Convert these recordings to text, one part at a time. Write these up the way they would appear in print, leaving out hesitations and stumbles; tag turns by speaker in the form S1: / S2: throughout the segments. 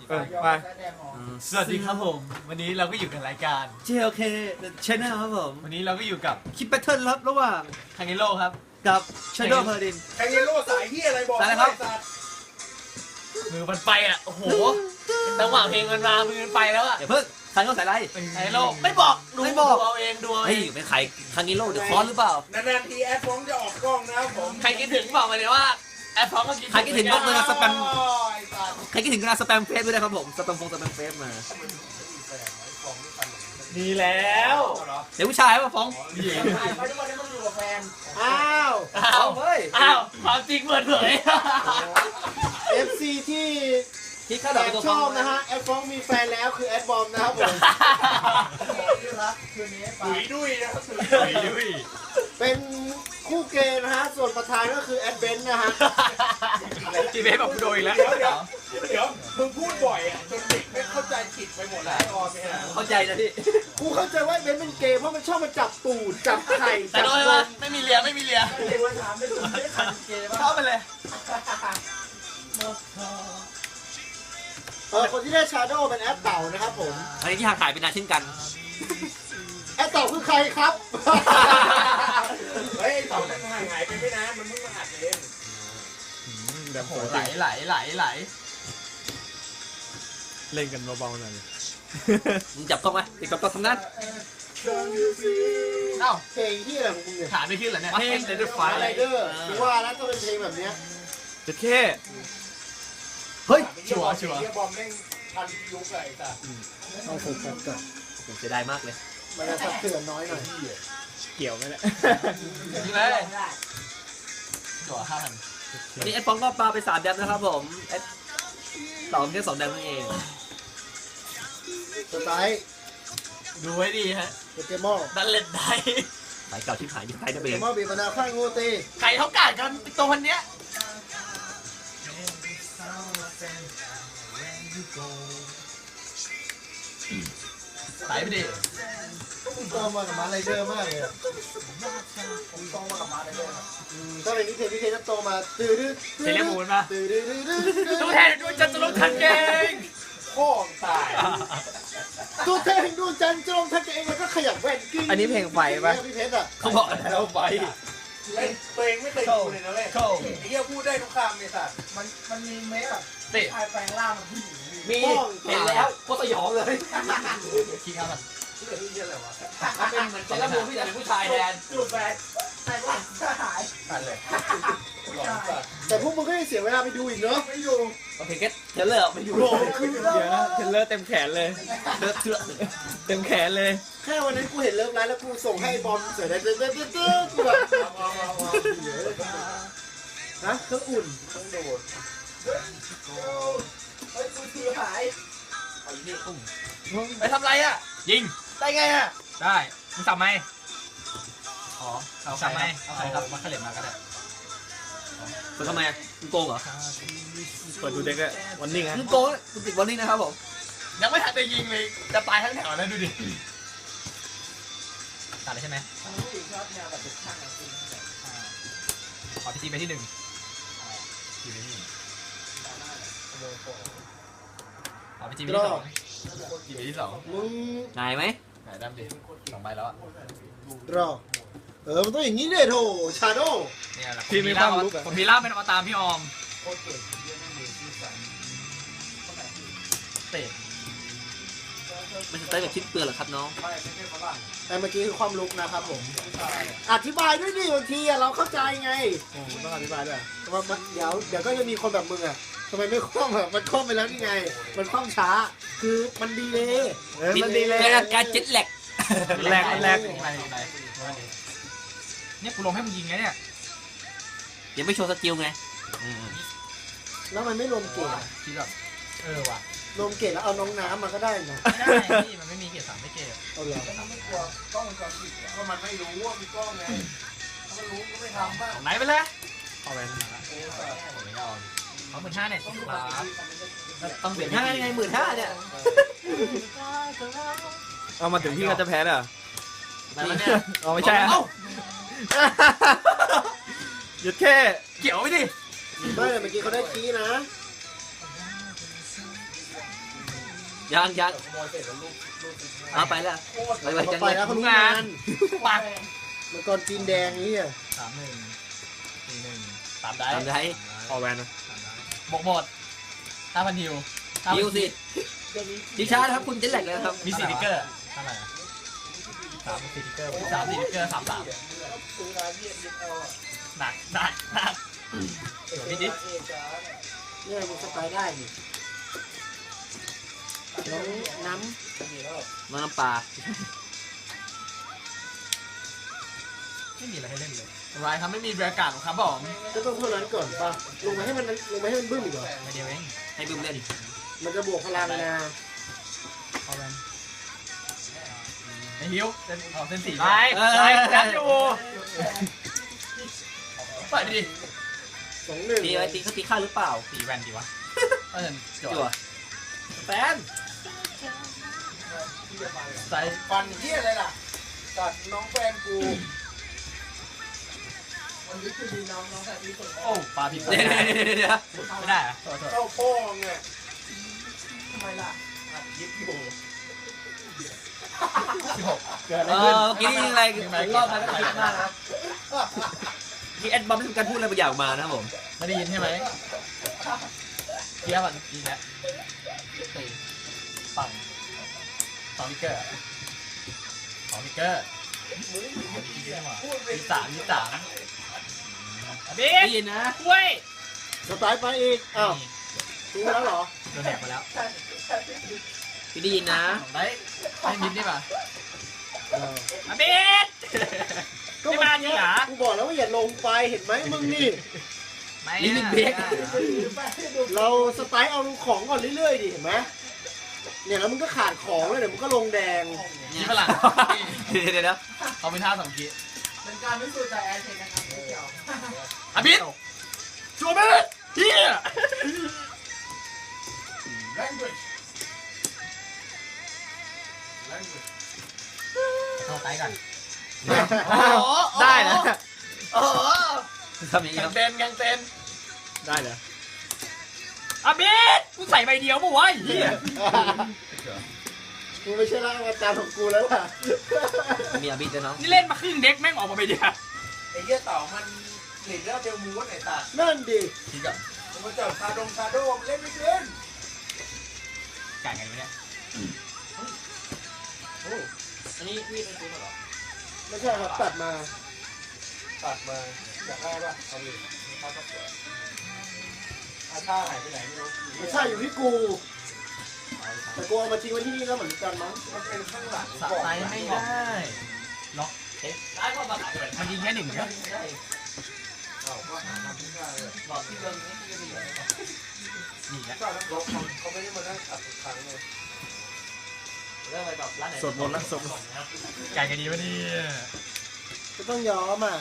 S1: ไป
S2: สวัสดีครับผมวันนี้เราก็อยู่กับรายการ
S3: JLK Channel ครับผม
S2: วันนี้เราก็อยู่กับ
S3: คลิปแพทเทิร์นครับระหว่าง
S2: ทางเนโร่ครับ
S3: กับ Shadow Paladin
S1: แทงเยลโล่สายเฮียอะไรบอก
S2: สายอะไรครับ มือมันไปอ่ะโอ้โหจังหวะเพลงมันมามือมันไปแล้วอ่ะ
S3: อย่าเพิ่งคันเขาใส่ไร
S2: ทางเนโร่ไม่บอกดู
S3: ไม่บอก
S2: ดูเอาเองดูเอาเอ
S3: เฮ้ย
S2: ง
S3: เป็นใครคันนี้โลเดี๋ยวคอนหรือเปล่า
S1: นานๆทีแอดฟ้องจะออกกล้องนะครับผม
S2: ใครคิดถึงบอกมาเลยว่าแอปพร้อมก็คิด
S3: ใครคิดถึงยกมือนะสแปม
S1: โอ้ยสัตว์
S3: ใครคิดถึงก็สแปมเฟซด้วยนะครับผมสแปมเฟซมา
S2: ดีแล้ว
S3: เดี๋ยวผู้ชายมาฟ้อง
S1: ไปทุกวันนี้มันอยู่กับแฟน
S4: อ้าว
S2: อ้าว
S3: เฮ้ย
S2: อ้าวความจริงเปิดเผย
S4: FC ที่
S3: คิดข้า
S4: แอ
S3: ดอก
S4: บ
S3: ตัว
S4: ชอบนะฮะแอดฟ้องมีแฟนแล้วคือแอดบอมนะครับผม
S1: ถุยดุยนะครับถุย
S4: เป็นคู่เกย์นะฮะส่วนประธานก็คือแอดเบนซ์นะฮะ
S2: จีเบสบอกกูโดนอีกแล้ว
S1: เดี๋ยวมึงพูดบ่อยอ่ะจนเด็กไม่เข้าใจผิดไปหมดแล้วออมเนี่ย
S3: เข้าใจนะพี่
S4: กูเข้าใจว่าเบนซ์เป็นเกย์เพราะมันชอบมาจับตูดจับไข่
S2: แต่
S4: จับ
S2: โดน
S4: น
S2: ไหม
S4: ม
S2: ไม่มีเลียไม่มีเลีย
S1: เด็กวันถามไม่ถูกไม่ทันเกย์
S2: เข้าไปเลย
S4: คนที่ได้ชาโดว์เป็นแอดเต่านะครับผม
S3: อันนี้ที่ห่างหายไปนานเช่นกัน
S4: แอดเต่าคือใครครับ
S1: เฮ้ยต่อแต่ห่างหายไปไม่นานมันเพิ่งมาหัดเอง
S2: โอ้โหไหล
S1: เล่นกันเบาๆหน่อย
S3: มึงจับกล้องไหมติดกับกล้องทำนั้น
S2: เอ้า
S4: เพลงที่อะไรของมึงเนี่ย
S2: ถามไม่ขึ้นเหรอเนี่ยเพลงเดนไฟ
S4: ไรเดอร์กูว่าแล้วต้องเป็นเพลงแบบเนี้ย
S1: จะแค่
S3: เฮ้ย
S2: ชัวร์
S1: เฮียบอมแม่งทันยุคเลยแต่
S4: ต้องฝึกกันก่อน
S3: ผมเสียดายมากเลย
S4: มันจะสับเสือนน้อยหน่อย
S1: เกี่ยวไหมเนี่ย
S2: นี่เลยตัว5,000
S3: วันนี้แอดฟองก็ปาไป3 แดมนะครับผมแอดต่อแค่2 แดมนั่นเอง
S4: สไตล์
S2: ดูไว้ดีฮะ
S4: โปเกมอน
S2: ดันเล่นได้
S3: สายเก่าที่หายที่ใครได้
S4: โป
S3: ไป
S4: เก
S3: เลย
S4: มอนบีบมะนาวข้างงูตี
S2: ใครเขากาดกันตัวคนเนี้ยไหลไปดิ
S4: ผมต้องมากับมาไรเดอร์มากเลยอะผมต้องมากับมาไรเดอร์ถ้าเป็นนิเทศจะโตมาตื้อดื้อ
S2: เซเลมูนป่ะ
S4: ตื้อดื้อดื้อดื้อ
S2: ตัวแทนดูจันทรุทันเก่ง
S1: พ่อตาย
S4: ตัวแทนดูจันจงทักเองแล้วก็ขยับแว่นกิ้ง
S1: อันนี้เพลงไฟป่ะ
S4: พี่เพชรอ่ะ
S3: เขาบอกแล้วไป
S1: เล่นตัวเองไม่เคยดูเลยนะเว้ยไอ้เหี้ยพูดได้ทุกคำเลยสัตว์มันมีเมคอะ
S2: ติ
S1: ชายแปลงร่างมันผู้หญิง
S3: มีเห็นแล้วโคตรสยองเลย
S2: ขี้ครับมัน
S1: เหี้ยอะไรวะ
S3: เป็นเหมือนเซเลมูนที่แต่เป็นผู้ชายแทน
S1: จูบแฟนใส่ว่าหายกันเลยหลอนสัตว์
S4: แต่พวกมึงก็ยังเสียเวลาไปดูอีกเนาะ
S1: ไม่อยู่
S3: โอเคเก็ตเทเลอร์ไม่อยู่
S4: โอ้โหคือ
S1: เดี๋ยวนะเทเลอร์เต็มแขนเลย
S3: เลือดเชื่อ
S1: เต็มแขนเลย
S4: แค่วันนั้นกูเห็นเลิฟไลน์แล้วกูส่งให้บอมเสือได้เต้นกูแบบฮะเครื่องอุ่น
S1: ต้องโดด
S4: เฮ้ยกูถือหาย
S2: ไปทำไรอ่ะยิง
S1: ได้ไงอ่ะ
S2: ได้มึงสับไหมอ๋อเอาสับไหมเอาใครครับมาเขลิบมาก็ได้
S3: เปิดทำไมมึงโกงเหรอ
S1: เปิดดูเด็กอะวันนิ่งฮะ
S3: มึงโกงมึงติดวันนี้นะครับผม
S2: ยังไม่ทันจะยิงเลยจะตายทั้งแถวแล้วดูดิตัดเลยใช่ไหมขอพีจีไปที่ 1อยู่ในนี่ขอพีจีไปที่ 2อยู่ไปที่ 2
S4: มึง
S3: นายไหม
S2: ไหนดำดิ2 ใบแล้วอ่ะ
S4: รอมันต้องอย่างนี้เลยโถชาโด
S2: เนี่ยแหละ
S1: พี่มีความลุกอะ
S2: ผมมีล่าเป็นอวตารพี่ออมเตะ
S3: มันจะเต้นกับชิ้นเปลือกเหรอครับน้อง
S4: แต่เมื่อกี้คือความลุกนะครับผมอธิบายด้วยดิบางทีเราเข้าใจไง
S1: โอ้ต้องอธิบายด้วย
S4: ว่าเดี๋ยวก็จะมีคนแบบมึงอ่ะทำไมไม่คล่องอ่ะมันคล่องไปแล้วนี่ไง มันคล่องช้า คือมันดีเลย
S1: มันดีเลย
S3: เกิดอาการเจ็ตแลก
S1: แรกมันแรก
S2: ไปเนี่ยกูลงให้มึงยิงไงเนี่ย
S3: ยังไม่โชว์สกิลไง
S4: แล้วมันไม่รวมเกรด
S2: ที่แบบว่ะ
S4: รวมเกรดแล้วเอาน้องน้ำมาก็ได้นะ
S2: ไม่ได้พี่มันไม่มีเกรด3ไม่เกรด
S4: เอาเหรอ
S1: ไม่กลัวกล้องวงจรปิดก็มันไม่รู้ว่ามีกล้องไงถ้ามันรู้ก็ไม่ทำบ้าง
S2: ของไหนไปเลย
S1: เอาไป
S2: ผมไม่เอาเขา15,000เนี่ยครับ
S3: ต้องเปลี่ยนห้าไง15,000เนี่ย
S1: เอามาถึงพี่ก็จะแพ้อ่ะ
S2: ไหนวะเนี่ย
S1: เอาไม่ใช่อะ
S2: เอ้า
S1: หยุดแค่
S2: เกี่ยวไปดิ
S4: ไม่แต่เมื่อกี้เขาได้คีย์นะ
S3: ยัง
S1: ขโมยเสร็จแล้วลูก
S3: เอาไปแล้วไป
S4: ต่อไปแล้วเขารู้งาน
S2: ปัก
S4: มังกรจีนแดงนี่อ่ะ
S2: 3-1 4-1 3ได้
S3: ทำได้
S5: ออแวนนะ
S2: บวกหมด 5,000 ฮิว
S3: ฮิวสิดิชาร์ดครับคุณเจ็ดแหลกแล้วครับ
S2: มี4 ติ๊กเกอร์เท่าไหร่อะ3 4 ติ๊กเกอร์3 4 ติ๊กเกอร์ 3
S1: ซื้อร้านเยี่ยมเอาอ่ะ
S2: 3หนักพี่ดิ
S4: เนี่ยมันสไตล์ได้นี่น้องน้
S3: น้ำปลา
S2: ไม่มีอะไรให้เล่นเลยไรครับไม่มีบรรยากาศหรอกครับผม
S4: ำก็ต้องเท่านั้นก่อนป่ะลงมาให้มันบึ้มอีกเหรอ
S2: มาเดียวเอง
S3: ให้บึ้มเล่น
S4: มันจะบวกพลังนะ
S2: เอาแวนไอ้ฮิวเส้น4
S5: ไปยัดอยู่
S2: เปิดดิ
S4: 2-1
S3: ตีไว้ตีเขาตีข้าหรือเปล่า
S2: 4 แวนดีวะก็จะจ
S3: จั่ว
S2: ว
S3: แฟน
S2: ใส่
S1: ฟันเยี่ยอะไรล่ะตัดน้องแฟนกูวันนี้คือดีน้องแต่ที่สุด
S2: โอ้ปลาผิด
S3: เดี๋ยว
S2: ไม่ได้อะโทษ
S1: เข้าโป้งเนี่ยทำไมล่ะอัดยิบอยู่
S2: เกิดอะไร
S3: เอ
S2: ขึ้น
S3: อเมื่อกี้นี่อะไร
S2: รอบมาแล้วคิดมากนะ
S3: ที่แอดบอมเป็นการพูดอะไรบางอย่างมานะครับผม
S2: ไม่ได้ยินใช่ไหมเกียร์มันยิงแล้วตีปัง2 ติ๊กเกอร์2 ติ๊กเกอร์
S1: พูดไป
S2: 23บิ๊
S3: ได้
S2: ก
S3: ยินนะ
S2: เว้ย
S4: สไตล์ไปอีกอ้าวรู้แล้วเหรอ
S2: โดนแหกไปแล้ว
S3: พี่ได้ยินนะ
S2: ได้ให้มิดได้ป่ะ
S4: เออ
S2: บิ๊ก
S4: ก็
S2: ไม่มาจริงเหรอ
S4: กูบอกแล้วว่าอย่าลงไปเห็นไหมมึงนี่
S3: ลิมิตเบรก
S4: เราสไตล์เอาของก่อนเรื่อยๆดิเห็นไหมเนี่ยแล้วมึงก็ขาดของเลยเดี๋ยวมึงก็ลงแดง
S2: ยี่ฝรั่ง
S3: เดี๋ยวนะ
S2: เขาเป็นท่า2 กี
S1: เป็นการพิสูจน์ใจแอนเทนนะครับไม่เกี่ยว
S2: บิ๊กชัวร์ไหมเฮีย
S1: language language
S2: เข้าใกล้กัน
S5: ได้นะ
S2: โอ้โห
S3: ทำอย่างนี้
S2: แก
S3: ครั
S2: ง
S3: บ
S2: เต้นแกงเต้น
S5: ได้เลย
S2: บิ๊กกูใส่ใบเดียวมั้งวะเฮีย
S4: มึงไม่ใช่ร่างอาจารย์ของกูแล้วล่ะ
S3: มีอาบิดด้วยเนาะ
S2: นี่เล่นมาครึ่งเด็กแม่งออกมาใบเดียว
S1: ไอ้เหี้ยเต่ามันหลีดแล้วเดลมูสไหนตัด
S4: นั่นดิ
S2: ทีก็
S1: มันจับคาโดเล่นไม่เป็น
S2: ไก่ไงวะเนี่ย
S3: อันนี้พี่เป็นคุณเหรอ
S4: ไม่ใช่ครับตัดมา
S1: ตัดมาอยากได้ป่ะเอาดิเขาก็สวยอาชาหายไปไหนไม่รู้
S4: ไม่ใช่อยู่ที่กูแต่กูเอามาทิ้งไว้ที่นี่แล้วเหมือนกันมั้ง
S1: มันเป็นข้างหลัง
S2: สะใจไม่ได้ล็อกได้ก็มามันยิงแค่1ครับ
S1: เอาก็หาทำที่ได้เลย
S3: บอกที่เบิ้งนี่ที่จะไป
S2: นี่แหละ
S1: ก็แล้วเขาไม่ได้มานั่งตัดทุกครั้งเลย
S3: เรื่องอะไรแบบร้านไหน
S5: สวดมนต์ละสวดมนต์
S2: ไก่กันดีวะเนี่ย
S4: ก็ต้องยอมอ่ะ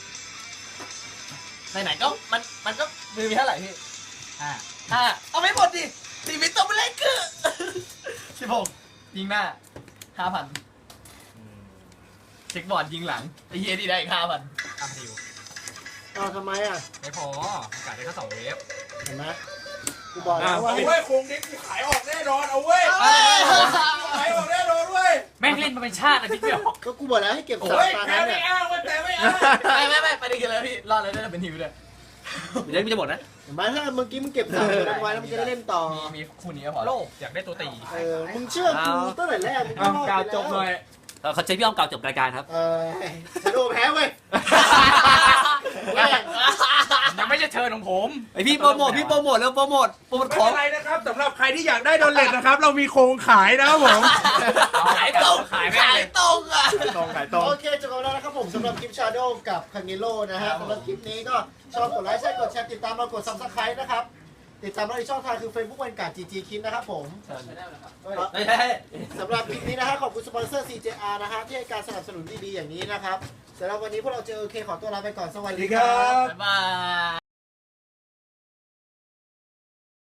S2: ไหนๆก็มันก็มือมีเท่าไหร่พี่5เอาไม่หมดดิตีมิตต้องไปเล่นคือ16ยิงหน้า 5,000เช็คบอร์ดยิงหลังไอ้เฮียที่ได้อีก 5,000ทำดิว
S4: เอาทำไมอ่ะ
S2: ไม่พออากาศได้แค่2 เวฟ
S4: เห็นไหมกูบอกแล้วว่า
S1: เอาเว้ยโครงเด็กกูขายออกแน่นอนเอาเว้ยขายออกแน่นอนเว้ย
S2: แม่งเล่นมาเป็นชาตินะพี่เดียว
S4: ก็กูบอกแล้วให้เก็บสาม
S1: เฮ้ย
S4: ตา
S1: แพ้
S4: นั้น
S1: ไม่
S4: เนี่ย
S1: อ้างเว้ยแต่ไม่อ้าง
S2: ไม่ไปดีกันเลยพี่รอดเลยได้เป็นฮิวเลย
S3: เดี๋ยวมันจะหมดนะ
S4: เห็นไหมถ้าเมื่อกี้มึงเก็บสามตัวนั้นไว้แล้วมึงจะได้เล่นต่อ
S2: มีคู่นี้ก็พอโลกอยากได้ตัวตี
S4: มึงเชื่อกูตั้งแต่แรกมึงก็
S5: เอา
S4: รอด
S5: กาว
S4: ไป
S5: จบหน่อย
S3: เขาใช้พี่อ้อมกล่าวจบรายการครับ
S4: ชาโดแพ้เว้ยแม่ง
S2: ยังไม่ใช่เชิญของผม
S3: ไอพี่โปรโมทแล้วโปรโมท
S1: ไม่
S3: ข
S1: เป็
S3: อง
S1: นไรนะครับสำหรับใครที่อยากได้โดนเลทนะครับ เรามีโครงขายนะครับผม
S2: ขายตรงขายตรงอ่ะ
S5: ตรงขายตรง
S4: โอเคจบแล้วนะครับผมสำหรับคลิปชาโดกับคังเกโร่นะฮะสำหรับคลิปนี้ก็ชอบกดไลค์ใช่กดแชร์ติดตามเรากด Subscribe นะครับติดตามเราในช่องทางคือ Facebook วันการ์ด GG คิดนะครับผม สำหรับคลิปนี้นะฮะขอบคุณสปอนเซอร์ CJR นะฮะที่ให้การสนับสนุนดีๆอย่างนี้นะครับสำหรับวันนี้พวกเราเจอโอเคขอตัวลาไปก่อนสวัสดีครับ
S2: บ๊ายบาย